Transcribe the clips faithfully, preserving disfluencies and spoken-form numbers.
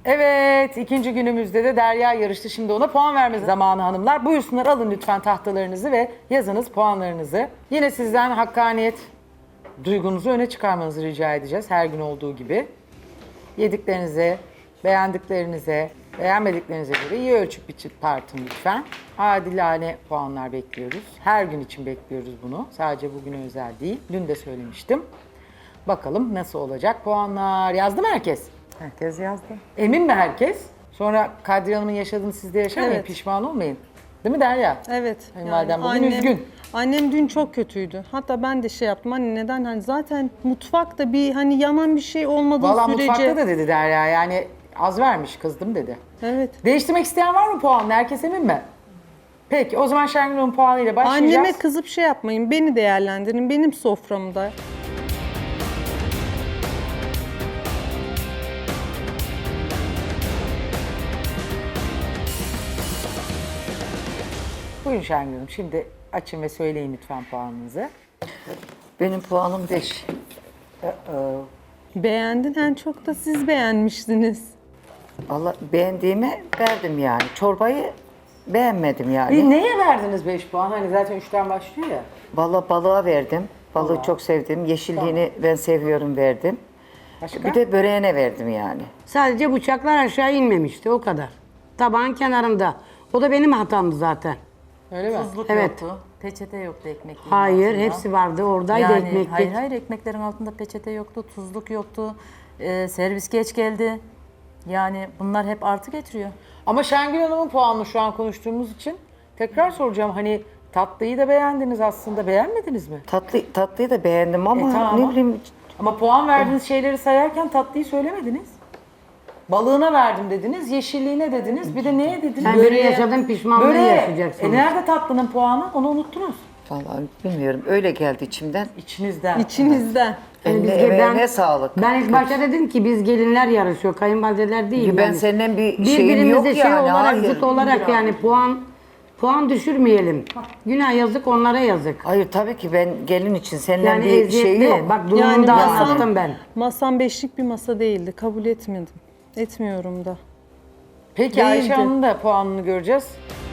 Evet, ikinci günümüzde de Derya yarıştı. Şimdi ona puan verme zamanı hanımlar. Buyursunlar, alın lütfen tahtalarınızı ve yazınız puanlarınızı. Yine sizden hakkaniyet duygunuzu öne çıkarmanızı rica edeceğiz her gün olduğu gibi. Yediklerinize, beğendiklerinize, beğenmediklerinize göre iyi ölçüp biçip tartın lütfen. Adilane puanlar bekliyoruz. Her gün için bekliyoruz bunu. Sadece bugüne özel değil. Dün de söylemiştim. Bakalım nasıl olacak puanlar. Yazdı mı herkes? Herkes yazdı. Emin mi herkes? Sonra Kadriye Hanım'ın yaşadığını siz de yaşamayın, Evet. pişman olmayın. Değil mi Derya? Evet. Kayınvalidem bugün üzgün. Annem dün çok kötüydü. Hatta ben de şey yaptım. Anne neden? Hani zaten mutfakta bir hani yanan bir şey olmadığı Valla sürece. mutfakta da dedi Derya, yani az vermiş, kızdım dedi. Evet. Değiştirmek isteyen var mı puanını? Herkes emin mi? Peki o zaman Şengül Hanım puanıyla başlayacağız. Anneme kızıp şey yapmayın. Beni değerlendirin. Benim soframda. Buyurun Şengül Hanım, şimdi açın ve söyleyin lütfen puanınızı. Benim puanım beş. Beğendin. En çok da siz beğenmiştiniz. Valla beğendiğimi verdim yani. Çorbayı beğenmedim yani. Bir neye verdiniz beş puan? Hani zaten üçten başlıyor ya. Valla balığa verdim. Balığı Balığa. çok sevdim. Yeşilliğini ben seviyorum verdim. Başka? Bir de böreğine verdim yani. Sadece bıçaklar aşağı inmemişti o kadar. Tabağın kenarında. O da benim hatamdı zaten. Öyle mi? Tuzluk Evet. yoktu. Peçete yoktu ekmeklerin Hayır, altında. hepsi vardı. Oradaydı yani, ekmeklik. Hayır hayır ekmeklerin altında peçete yoktu, tuzluk yoktu. Ee, servis geç geldi. Yani bunlar hep artı getiriyor. Ama Şengül Hanım'ın puanını şu an konuştuğumuz için tekrar soracağım. Hani tatlıyı da beğendiniz aslında, beğenmediniz mi? Tatlı, tatlıyı da beğendim ama E, tamam. ne bileyim Ama puan verdiğiniz şeyleri sayarken tatlıyı söylemediniz. Balığına verdim dediniz, yeşilliğine dediniz, bir de neye dediniz? Sen böreği yaşadın, pişmanlığı Böreğe. yaşayacaksınız. E nerede tatlının puanı? Onu unuttunuz. vallahi bilmiyorum. Öyle geldi içimden. İçinizden. İçinizden. Eline biz- emeğine sağlık. Ben ilk başta dedim ki biz gelinler yarışıyor, kayınvalideler değil. Ben yani. seninle bir şeyim Birbirimize yok şey yani, olarak, hayır. zıt olarak yani puan puan düşürmeyelim. Günah yazık, onlara yazık. Hayır tabii ki ben gelin için seninle Yani bir şey eziyetli. yok. Bak durumunu Yani da masam- anlattım ben. Masam beşlik bir masa değildi. Kabul etmedim. Etmiyorum da. Peki Ayşe Değildi. Hanım'ın da puanını göreceğiz.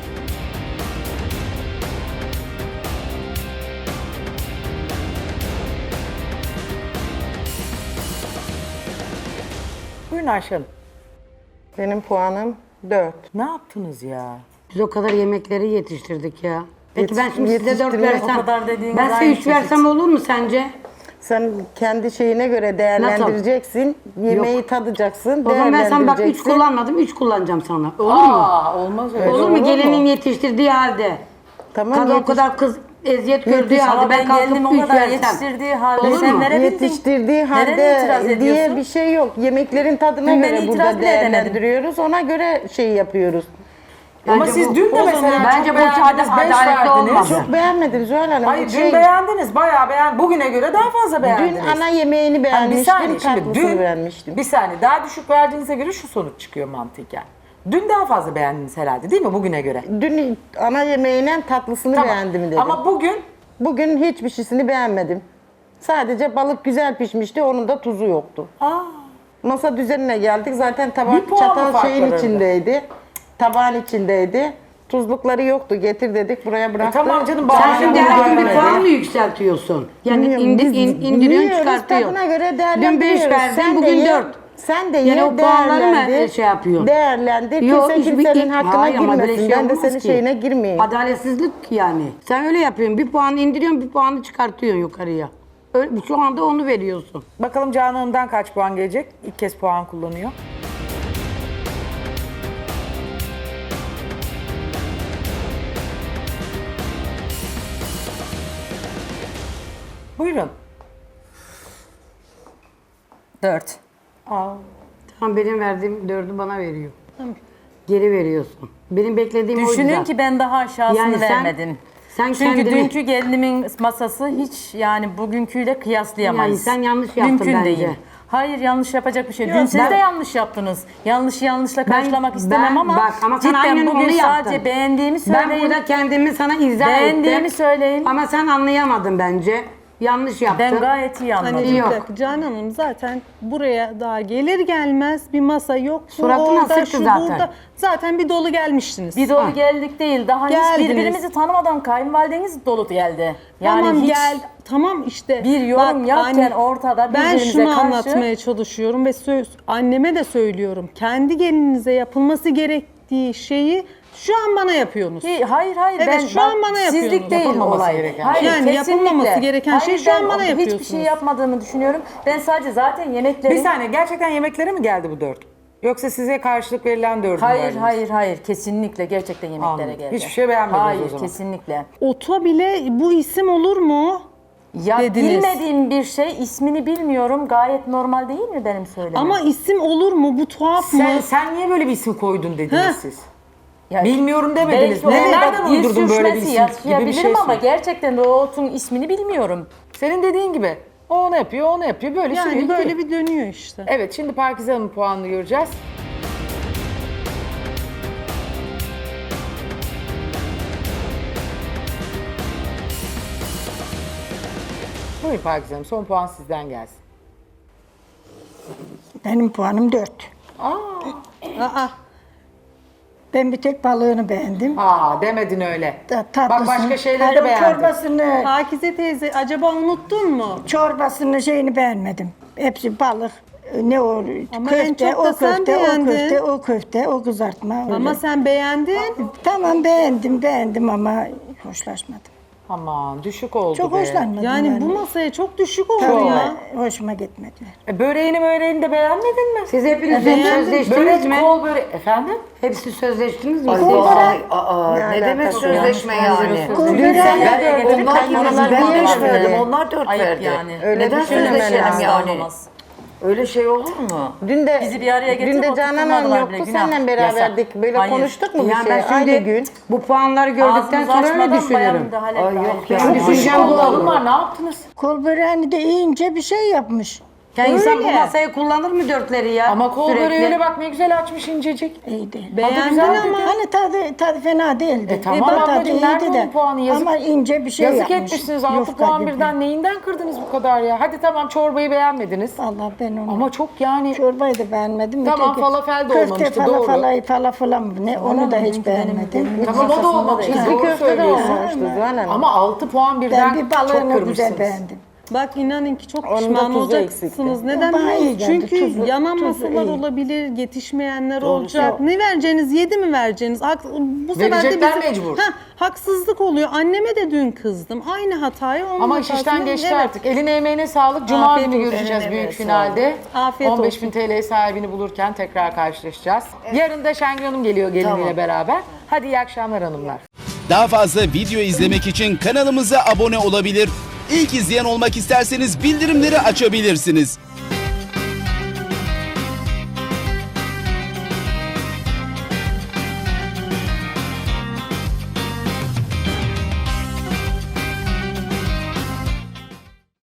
Buyurun Ayşe Hanım. Benim puanım dört. Ne yaptınız ya? Biz o kadar yemekleri yetiştirdik ya. Peki ben Yetiş- şimdi size dört yetiştirmek- versem, O kadar dediğiniz ben size aynı üç versem olur mu sence? Sen kendi şeyine göre değerlendireceksin. Yemeği tadacaksın, O zaman ben sana bak üç değerlendireceksin. kullanmadım, üç kullanacağım sana. Olur mu? Aa, olmaz öyle. Olur mu? Gelinin yetiştirdiği halde. Tamam, Kadın o yetiş- kadar kız eziyet gördüğü Yetiş- halde Ama ben ben gelinim kalkıp o üç kadar versem. yetiştirdiği halde Olur sen mu? verebildin. Yetiştirdiği Nereye itiraz halde diye ediyorsun? bir şey yok. Yemeklerin tadına Dün ben göre itiraz burada bile edemedim. değerlendiriyoruz. Ona göre şey yapıyoruz. Ama Bence siz bu- dün de o mesela zaman çok bence bu beğendiniz, adaletli beş verdiniz. olmadı. Çok beğenmedim Zuhal Hanım. Hayır Bu dün şey- beğendiniz, bayağı beğen. Bugüne göre daha fazla beğendiniz. Dün ana yemeğini Hani bir beğenmiştim, saniye şimdi tatlısını dün, beğenmiştim. bir saniye daha düşük verdiğinize göre şu sonuç çıkıyor mantıken. Dün daha fazla beğendiniz herhalde değil mi bugüne göre? Dün ana yemeğiyle tatlısını beğendim dedim. Ama bugün Bugün hiçbir şeysini beğenmedim. Sadece balık güzel pişmişti, onun da tuzu yoktu. aa, Masa düzenine geldik. Zaten Bir tabak puan mı çatal fark şeyin var arada? içindeydi. Tabağın içindeydi. Tuzlukları yoktu. Getir dedik, buraya e, bıraktık. tamam canım Sen bazen şimdi bunu her gün bir görmedi. puan mı yükseltiyorsun? Yani Bilmiyorum, indi, biz in, indiriyorsun, biliyoruz, çıkartıyorsun. tadına göre Dün değerlendiriyoruz. beş verdin, Sen de bugün ye, dört. Sen de Yani ye, o puanları mı değerlendir, şey yapıyorsun? Değerlendir. Yok, Kimse hiçbir- kimsenin hakkına Hayır ama böyle girmesin. şey Ben de olmaz senin ki. şeyine girmeyeyim. Adaletsizlik yani. Sen öyle yapıyorsun. Bir puanı indiriyorsun, bir puanı çıkartıyorsun yukarıya. Öyle, şu anda onu veriyorsun. Bakalım Canan Hanım'dan kaç puan gelecek? İlk kez puan kullanıyor. Buyurun. Dört. Aa, Tamam, benim verdiğim dördü bana veriyor. Geri veriyorsun. Benim beklediğim oydu Düşünün zaten. ki ben daha aşağısını Yani sen- vermedim. sen Çünkü kendini- dünkü gelinimin masası hiç yani bugünküyle kıyaslayamayız. Yani sen yanlış yaptın Mümkün bence. değil. Hayır yanlış yapacak bir şey. Dün siz ben- de yanlış yaptınız. Yanlışı yanlışla karşılamak istemem ben- ama, bak, ama sen cidden aynen bugün onu yaptın. sadece beğendiğimi Ben söyleyin. burada kendimi sana izah Beğendiğimi ettim. söyleyin. Ama sen anlayamadın bence. Yanlış yaptı. Ben gayet iyi anladım. Hani bir Yok. dakika Canan Hanım zaten buraya daha gelir gelmez bir masa yok. Bu Suratına orada, sıktı şu zaten. burada. Zaten bir dolu gelmiştiniz. Bir dolu geldik değil. Daha hiç Geldiniz. birbirimizi tanımadan kayınvalideniz dolu geldi. Yani tamam hiç gel. Tamam işte. bir yorum Bak, yokken anne, ortada ben birbirimize şunu karşı. anlatmaya çalışıyorum ve söz anneme de söylüyorum. Kendi gelininize yapılması gerektiği şeyi şu an bana yapıyorsunuz. Ki, hayır hayır Evet, ben şu an bak, bana yapıyorsunuz. sizlik değil Yapılmaması olay. gereken Hayır, şey. Yani kesinlikle. yapılmaması gereken şey Hayır, şu an ben bana Hiçbir şey yapıyorsunuz. yapmadığımı düşünüyorum. Ben sadece zaten yemeklerin... Bir saniye, gerçekten yemeklere mi geldi bu dört? Yoksa size karşılık verilen dördü mü Hayır verdiniz? hayır hayır kesinlikle gerçekten yemeklere Anladım. geldi. Hiçbir şey beğenmediniz hayır, o zaman. kesinlikle. Ota bile bu isim olur mu? Ya Dediniz. bilmediğim bir şey ismini bilmiyorum gayet normal değil mi benim söylemem? Ama isim olur mu? Bu tuhaf Sen, mı? sen niye böyle bir isim koydun dediniz Heh. siz? Ya, Bilmiyorum demediniz. belki Ne, orada nereden dil uydurdun böyle bir sürçmesi isim gibi bir yaşayabilirim şey? ama gerçekten de o otun ismini bilmiyorum. Senin dediğin gibi. O onu yapıyor, o onu yapıyor. Böyle Yani sürüyor böyle gidiyor. bir dönüyor işte. Evet, şimdi Pakize Hanım'ın puanını göreceğiz. Buyurun Pakize Hanım, son puan sizden gelsin. Benim puanım dört. Aa, Ben bir tek balığını beğendim. Aa, demedin öyle. Ta- Bak tatlısını. başka şeyleri Hayır, de o beğendin. Çorbasını, Pakize teyze acaba unuttun mu? çorbasını şeyini beğenmedim. Hepsi balık. Ne o Ama en köfte, çok da o sen köfte, o beğendin. köfte, o köfte, o kızartma. Ama öyle. sen beğendin. Tamam beğendim, beğendim ama hoşlaşmadım. Aman düşük oldu Çok be. hoşlanmadım Yani yani. bu masaya çok düşük oldu Tabii, ya. hoşuma gitmediler. E, böreğini böreğini de beğenmedin mi? Siz hepiniz Beğendim. sözleştiniz Börek, mi? kol börek. Efendim? Hepsi sözleştiniz mi? Ay, Siz? vay, aa, Ne ne demek alakası var? sözleşme yani? Kul Sen böreği- nereye getirdin? Onlar Kayınvalideler ben niye beş vermedi? verdim, onlar dört Ayıp verdi. yani. Öyle Neden düşünmemen sözleşelim lazım. yani? Olmaz. Öyle şey olur mu? Dün de Bizi bir araya getirip dün de oturtmadılar Canan Hanım bile, yoktu. günah. Seninle beraberdik. Böyle Hayır. konuştuk mu bir Yani şey? ben Aynı şimdi gün. bu puanları gördükten Ağzımızı sonra öyle açmadan bayan düşünüyorum. müdahale Ay etti. yok Hayır. yani. Çok Düşüncem bu düşüncem olur. var. Ne yaptınız? Kol böreğini de ince bir şey yapmış. Yani insan bu Öyle. masayı kullanır mı dörtleri ya? Ama kol Sürekli. böreğiyle bak ne güzel açmış incecik. İyiydi. Beğendin güzel ama. Hani tadı, tadı fena değildi. E tamam tadı ablacığım, iyiydi nerede de. onun puanı? Yazık- Ama ince bir şey Yazık yapmış. etmişsiniz altı Yufka puan gibi. birden. Neyinden kırdınız bu kadar ya? Hadi tamam çorbayı beğenmediniz. Vallahi ben onu... Ama çok yani Çorbayı da beğenmedim. Tamam, Öteki falafel de köfte olmamıştı, fala doğru. Falay, falafala mı ne onu da hiç benimki benim- beğenmedim. benim- tamam o da olmamış. Çizgi Doğru köfte de söylüyorsun. olmamıştı Zuhal Hanım. Ama altı puan birden Ben bir çok balığını kırmışsınız. güzel beğendim. Bak inanın ki çok Onun da pişman tuzu olacaksınız. eksikti. Neden Daha biliyor iyi musunuz? geldi, Çünkü tuzu- yanan tuzu masalar iyi. olabilir, yetişmeyenler olacak. Ne vereceğiniz, yedi mi vereceğiniz? Hak- bu sefer de Verecekler bizim- mecbur. Heh, haksızlık oluyor. Anneme de dün kızdım. Aynı hatayı onun Ama iş hatasını- işten geçti Evet. artık. Eline emeğine sağlık. Cuma Afiyet günü olsun. görüşeceğiz Evet, büyük evet, finalde. Afiyet on beş olsun. bin T L sahibini bulurken tekrar karşılaşacağız. Yarın da Şengül Hanım geliyor geliniyle Tamam. beraber. Hadi iyi akşamlar hanımlar. Daha fazla video izlemek için kanalımıza abone olabilir. İlk izleyen olmak isterseniz bildirimleri açabilirsiniz.